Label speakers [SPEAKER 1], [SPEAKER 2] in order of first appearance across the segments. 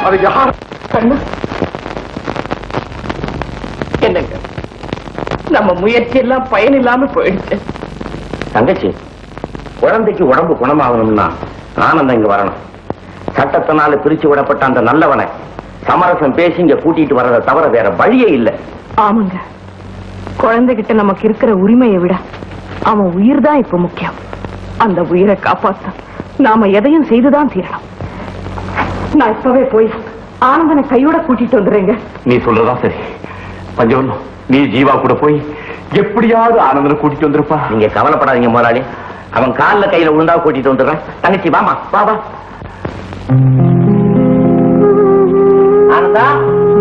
[SPEAKER 1] அது யார்?
[SPEAKER 2] என்னங்க நம்ம முயற்சி எல்லாம் பயன் இல்லாம போயிடுச்சு.
[SPEAKER 3] தங்கச்சி, குழந்தைக்கு உடம்பு குணமாகணும்னா ஆனந்தம் இங்க வரணும். சட்டத்தினால பிரிச்சு விடப்பட்ட அந்த நல்லவனை சமரசம் பேசி இங்க கூட்டிட்டு வர்றதை தவிர வேற வழியே இல்லை.
[SPEAKER 2] ஆமாங்க, குழந்தைகிட்ட நமக்கு இருக்கிற உரிமையை விட அவன் உயிர் தான் இப்ப முக்கியம். அந்த உயிரை காப்பாத்த நாம எதையும் செய்துதான் தீரணும். நான் இப்பவே போய் ஆனந்தனை கையோட கூட்டிட்டு வந்துடுறேங்க.
[SPEAKER 1] நீ சொல்றதா சரி. பஞ்சவன், நீ ஜீவா கூட போய் எப்படியாவது ஆனந்தனை கூட்டிட்டு வந்துருப்பா.
[SPEAKER 3] நீங்க கவலைப்படாதீங்க முதலாளி, அவன் காலில் கையில விழுந்தா கூட்டிட்டு வந்துடுறேன். தங்கச்சி வாமா, வா வா. ஆனந்தா,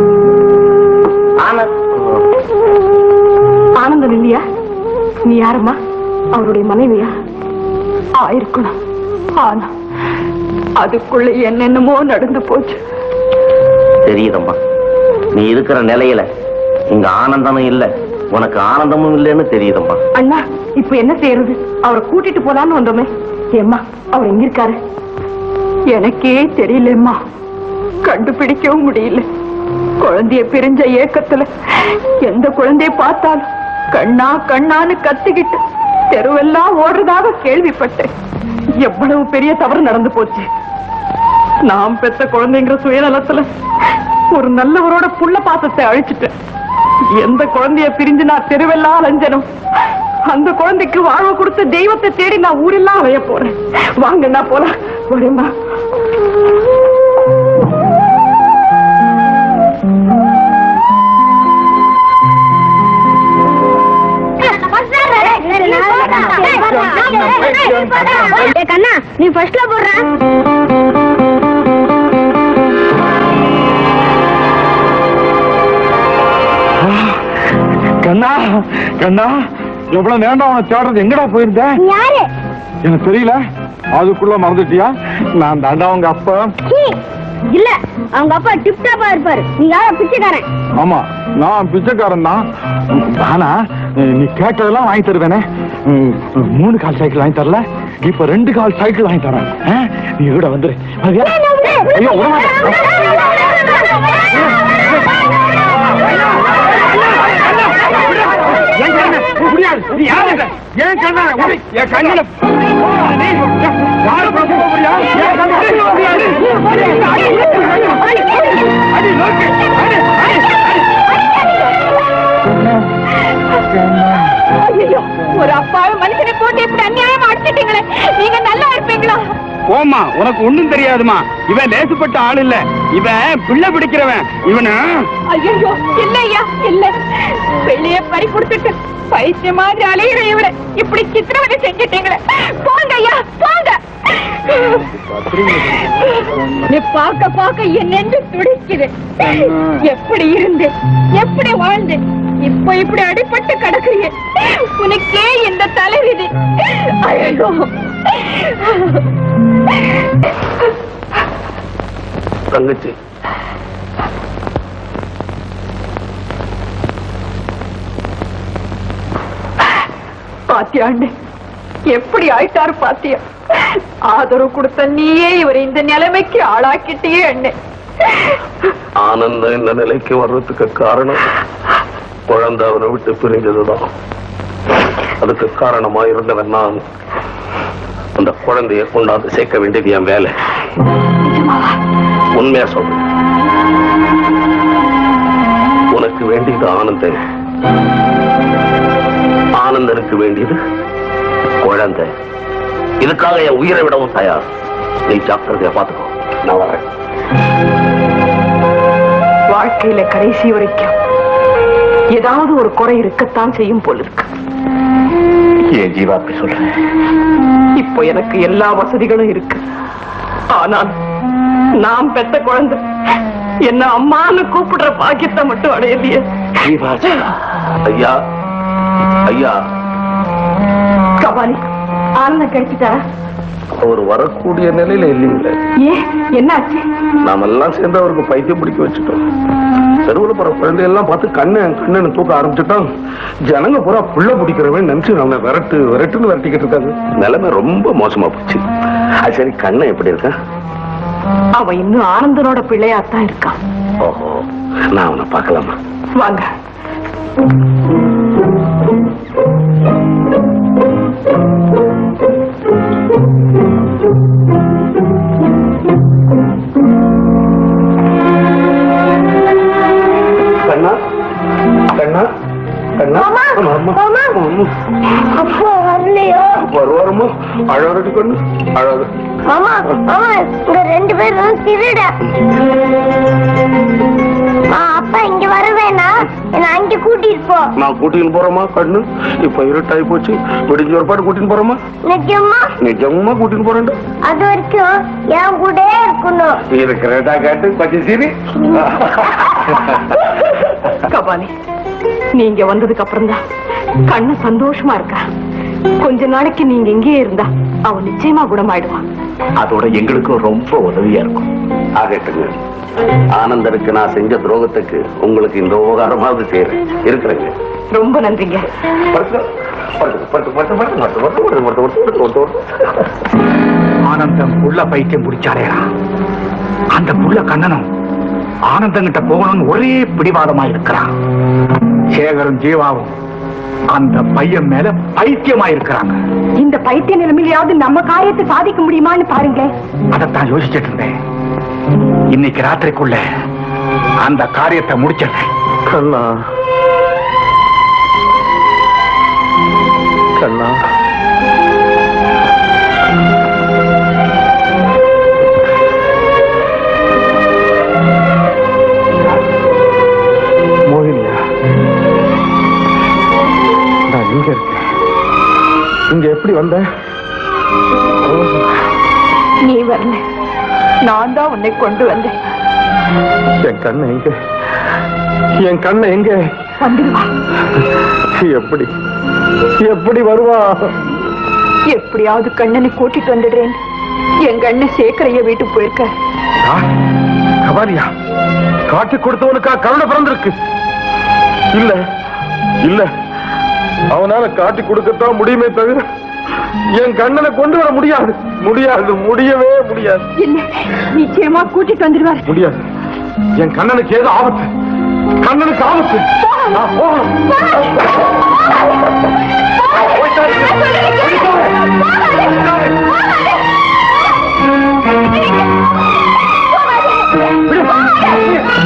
[SPEAKER 2] ஆனந்தன் இல்லையா? நீ யாரம்மா? அவருடைய மனைவியா? இருக்கணும். ஆனா அதுக்குள்ள என்னென்னமோ நடந்து போச்சு.
[SPEAKER 3] தெரியுதம்மா, நீ இருக்கிற நிலையில இங்க ஆனந்தமும் இல்ல, உனக்கு ஆனந்தமும் இல்லைன்னு தெரியுதம்மா.
[SPEAKER 2] அண்ணா, இப்ப என்ன செய்யறது? அவரை கூட்டிட்டு போலான்னு வந்தோமே. ஏம்மா, அவர் எங்க இருக்காரு? எனக்கே தெரியலம்மா, கண்டுபிடிக்கவும் முடியல. குழந்தைய பிரிஞ்ச ஏக்கத்துல எந்த குழந்தைய பார்த்தாலும் கண்ணா கண்ணான்னு கத்திக்கிட்டு தெருவெல்லாம் ஓடுறதாக கேள்விப்பட்டேன். எவ்வளவு பெரிய தவறு நடந்து போச்சு. நாம் பெத்த குழந்தைங்கிற சுயநலத்துல ஒரு நல்லவரோட புள்ள பாசத்தை அழிச்சிட்டேன். எந்த குழந்தைய பிரிஞ்சு நான் தெருவெல்லாம் அலைஞ்சனும், அந்த குழந்தைக்கு வாழ்வு கொடுத்த தெய்வத்தை தேடி நான் ஊரெல்லாம் அலைய போறேன். வாங்க, நான் போலாம். வரேம்மா.
[SPEAKER 4] கண்ணா, நீ ஃபர்ஸ்ட்ல போடுற.
[SPEAKER 1] கண்ணா, கண்ணா, எவ்வளவு நேரம் அவனை தேடுறது? எங்கடா போயிருந்த?
[SPEAKER 4] யாரு?
[SPEAKER 1] எனக்கு தெரியல. அதுக்குள்ள மறந்துட்டியா? நான் தாண்டா அவங்க அப்பா.
[SPEAKER 4] இல்ல, அவங்க அப்பா டிப் டாப்பா இருப்பாரு. நீ யார? பிச்சைக்காரன்.
[SPEAKER 1] ஆமா, நான் பிச்சைக்காரன் தான். ஆனா நீ கேட்டதெல்லாம் வாங்கி தருவேனே. 3 கால் சைக்கிள் வாங்கி தரல, இப்ப 2 கால் சைக்கிள் வாங்கி தரேன். நீ கூட வந்துரு. ஐயோ, ஏன் கண்ணா? என் கண்ணில
[SPEAKER 2] ஒரு அப்பாவை மனுஷனை போட்டு இப்படி அநியாயமா அடிச்சிட்டீங்களே, நீங்க நல்லா இருப்பீங்களா?
[SPEAKER 1] ஓமா, உனக்கு ஒண்ணும் தெரியாதுமா. இவன் லேசுப்பட்ட ஆள் இல்ல, இவன் பிள்ளை பிடிக்கிறவன். இவன
[SPEAKER 2] ஐயோ இல்லையா, இல்ல. வெளியே பறி கொடுத்துட்டு பைத்திய மாதிரி அலையிற இவரை இப்படி சித்திரவதை செஞ்சிட்டீங்களே. போங்க ஐயா, போங்க. நீ பார்க்க பார்க்க என் நெஞ்சு துடிக்குது. எப்படி இருந்து எப்படி வாழ்ந்து இப்ப இப்படி அடிபட்டு கிடக்குறீங்க. உனக்கே இந்த தலைவிதி. ஐயோ,
[SPEAKER 3] தங்கச்சி,
[SPEAKER 2] பாத்தியாண்டு எப்படி ஆயிட்டாரு பாத்தியா? ஆதரவு கொடுத்த நீயே இவர் இந்த நிலைமைக்கு ஆளாக்கிட்டே அண்ணே.
[SPEAKER 3] ஆனந்தம் இந்த நிலைக்கு வர்றதுக்கு காரணம் குழந்தை அவனை விட்டு பிரிஞ்சதுதான். அதுக்கு காரணமா இருந்தவன் நான். அந்த குழந்தைய கொண்டாந்து சேர்க்க வேண்டியது என் வேலை. உண்மையா சொல்றேன், உனக்கு வேண்டியது ஆனந்தன், ஆனந்தனுக்கு வேண்டியது குழந்தை. இதுக்காக என் உயிரை விடவும் தயார். நீ ஜாக்கிரதையா பாத்துக்கோ. நான் வரேன்.
[SPEAKER 2] வாழ்க்கையில கடைசி வரைக்கும் ஏதாவது ஒரு குறை இருக்கத்தான் செய்யும் போல இருக்கு.
[SPEAKER 3] ஏன் ஜீவா அப்படி சொல்றேன்?
[SPEAKER 2] இப்போ எனக்கு எல்லா வசதிகளும் இருக்கு. ஆனால் நாம் பெத்த குழந்தை என்ன அம்மான்னு கூப்பிடுற பாக்கியத்தை மட்டும் அடையலையே.
[SPEAKER 3] ஐயா, ஐயா,
[SPEAKER 2] கபாலி, ஆனந்தம் கிடைச்சிட்டாரா?
[SPEAKER 3] அவர் வரக்கூடிய நிலையில இல்லைங்களே.
[SPEAKER 2] ஏன், என்னாச்சு?
[SPEAKER 3] நாமெல்லாம் சேர்ந்து அவருக்கு பைத்தியம் பிடிக்க வச்சுட்டோம். தெருவில் போற குழந்தையெல்லாம் பார்த்து கண்ணு தூக்க ஆரம்பிச்சுட்டோம். ஜனங்க பூரா புள்ள பிடிக்கிறவன் நினைச்சு நம்ம விரட்டுன்னு விரட்டிக்கிட்டு இருக்காங்க. நிலைமை ரொம்ப மோசமா போச்சு. அது சரி, கண்ணை எப்படி இருக்க?
[SPEAKER 2] அவன் இன்னும் ஆனந்தனோட பிள்ளையாத்தான் இருக்கான்.
[SPEAKER 3] ஓஹோ, நான் அவனை பார்க்கலாமா?
[SPEAKER 2] வாங்க.
[SPEAKER 3] கண்ணா கண்ணா கண்ணா,
[SPEAKER 4] அப்போ வரலையோ?
[SPEAKER 3] வருவாரமா? அழகு கண்ணு, அழகு.
[SPEAKER 4] மாமா மாமா, இங்க 2 பேரும் திருட. அப்பா இங்க வருவேனா? என்ன அங்க கூட்டிட்டு போ.
[SPEAKER 3] நான் கூட்டின்னு போறேமா கண்ணு. இப்ப இருட்டாயி போச்சு, விடிஞ்ச ஒரு பாட்டு கூட்டின்னு போறேமா.
[SPEAKER 4] நிஜமா?
[SPEAKER 3] நிஜமா கூட்டின்னு போறேன்.
[SPEAKER 4] அது வரைக்கும் என் கூட இருக்கணும்.
[SPEAKER 3] இருக்கிறதா கேட்டு கொஞ்சம் சரி.
[SPEAKER 2] கபாலி, நீங்க வந்ததுக்கு அப்புறம் தான் கண்ணு சந்தோஷமா இருக்கா. கொஞ்ச நாளைக்கு நீங்க இங்கேயே இருந்தா அவன் நிச்சயமா குணமாயிடுவான்.
[SPEAKER 3] அதோட எங்களுக்கும் ரொம்ப உதவியா இருக்கும். ஆகட்டுங்க. ஆனந்தருக்கு நான் செஞ்ச துரோகத்துக்கு உங்களுக்கு இந்த உபகாரமாவது செய்யறேன். இருக்கிறேங்க.
[SPEAKER 2] ரொம்ப நன்றிங்க.
[SPEAKER 1] ஆனந்தம் புள்ள பைத்தியம் பிடிச்சாரேடா. அந்த புள்ள கண்ணனும் ஆனந்தங்கிட்ட போகணும்னு ஒரே பிடிவாதமா இருக்கிறான். சேகரும் ஜீவாவும் அந்த பையன் மேல பைத்தியமா இருக்கிறாங்க.
[SPEAKER 2] இந்த பைத்திய நிலைமையிலாவது நம்ம காரியத்தை சாதிக்க முடியுமான்னு பாருங்க.
[SPEAKER 1] அதைத்தான் யோசிச்சுட்டு இருந்தேன். இன்னைக்கு ராத்திரிக்குள்ள அந்த காரியத்தை முடிச்சிருந்தேன்.
[SPEAKER 3] கண்ணா கண்ணா,
[SPEAKER 1] மோகினியா, நான் இங்க இருக்கேன். இங்க எப்படி வந்த?
[SPEAKER 2] நீ வரல, நான் தான் உன்னை கொண்டு வந்தேன்.
[SPEAKER 1] என் கண்ணை எங்க? என் கண்ணை எங்க?
[SPEAKER 2] வந்துடுவா.
[SPEAKER 1] எப்படி எப்படி வருவா?
[SPEAKER 2] எப்படியாவது கண்ணனை கூட்டிட்டு வந்துடுறேன். என் கண்ணு சேகரைய வீட்டுக்கு போயிருக்க.
[SPEAKER 1] கபாலியா, காட்டி கொடுத்தவனுக்கா கருணை பிறந்திருக்கு? இல்ல இல்ல, அவனால காட்டி கொடுக்கத்தான் முடியுமே தவிர என் கண்ணனை கொண்டு வர முடியாது. முடியாது, முடியவே முடியாது.
[SPEAKER 2] இல்ல, நிச்சயமா கூட்டிட்டு வந்துடுவார்.
[SPEAKER 1] முடியாது. என் கண்ணனுக்கு ஏதோ ஆபத்து. கண்ணனுக்கு ஆபத்து. நான் போகணும்.